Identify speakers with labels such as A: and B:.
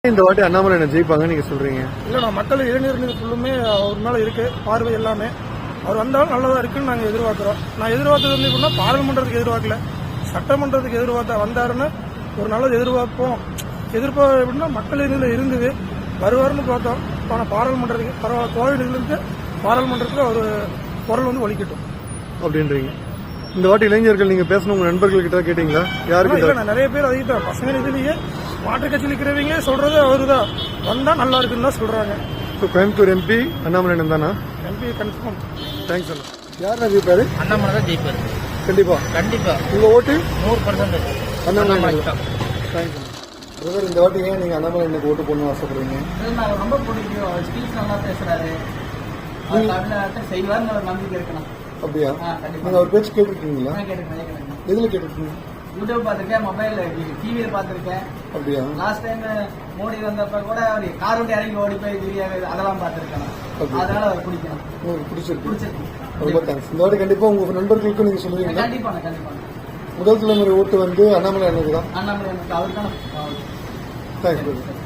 A: இந்த வாட்டி அண்ணாமலை என்ன ஜெயிப்பாங்க நீங்க சொல்றீங்க?
B: இல்லைண்ணா, மக்கள் இளைஞர்கள் ஃபுல்லுமே அவர் மேலே இருக்கு பார்வை எல்லாமே. அவர் வந்தாலும் நல்லதா இருக்குன்னு நாங்கள் எதிர்பார்க்குறோம். நான் எதிர்பார்த்தது வந்து எப்படின்னா பாராளுமன்றத்துக்கு எதிர்பார்க்கல, சட்டமன்றத்துக்கு எதிர்பார்த்தா வந்தாருன்னு ஒரு நல்லது எதிர்பார்ப்போம். எதிர்பார்ப்பு எப்படின்னா மக்கள் இதில் இருந்தது வருவாருன்னு பார்த்தோம். ஆனால் பாராளுமன்றத்துக்கு கோவிலிருந்து பாராளுமன்றத்தில் ஒரு குரல் வந்து ஒலிக்கட்டும்
A: அப்படின்றீங்க. இந்த வாட்டி இளைஞர்கள் நீங்க பேசணும் உங்க நண்பர்கள் கிட்ட கேட்டீங்களா? யாருக்கு?
B: நிறைய பேர் அதுக்கு தான் பசங்க இதுலயே மாற்றுக் கட்சியில் இருக்கிறவங்க சொல்றது அவருதான் வந்தா நல்லா இருக்குன்னு தான் சொல்றாங்க.
A: கோயம்புத்தூர் எம்பி அண்ணாமலை தானா?
B: MP confirm.
A: தேங்க்ஸ் அண்ணா. யார் ஜெயிப்பாரு?
C: அண்ணாமலை தான் ஜெயிப்பாரு.
A: கண்டிப்பா
C: கண்டிப்பா.
A: உங்க ஓட்டு
C: 100%
A: அண்ணாமலை. தேங்க்ஸ் அண்ணா. பிரதர், இந்த வாட்டி ஏன் நீங்க அண்ணாமலை எனக்கு ஓட்டு போடணும்னு ஆசைப்படுறீங்க?
C: எனக்கு ரொம்ப பிடிக்கும். அவர் ஸ்பீச் நல்லா பேசுறாரு, செய்வார்னு ஒரு நம்பிக்கை இருக்கணும்.
A: அப்படியா? நீங்க அவர் பேச்சு கேட்டிருக்கீங்களா?
C: கேட்டிருக்கேன்.
A: எதுல கேட்டிருக்கீங்க?
C: யூடியூப் பார்த்திருக்கேன், மொபைல் டிவியில பார்த்திருக்கேன்.
A: அப்படியா?
C: லாஸ்ட் டைம் மோடி வந்தப்ப கூட அவர் கார் விட்டு இறங்கி ஓடி போய் திடீர் அதெல்லாம் பார்த்திருக்கேன். அதனால அவர் பிடிக்கணும்.
A: உங்களுக்கு பிடிச்சிருக்கு. ரொம்ப தேங்க்ஸ். இந்த வாட்டி கண்டிப்பா உங்க நண்பர்களுக்கும் நீங்க சொல்லுவீங்க?
C: கண்டிப்பா.
A: முதல் தலைமுறை ஓட்டு வந்து அண்ணாமலை அண்ணனுக்கு தான்.
C: அண்ணாமலை அவருக்கு தான்.
A: தேங்க்ஸ்.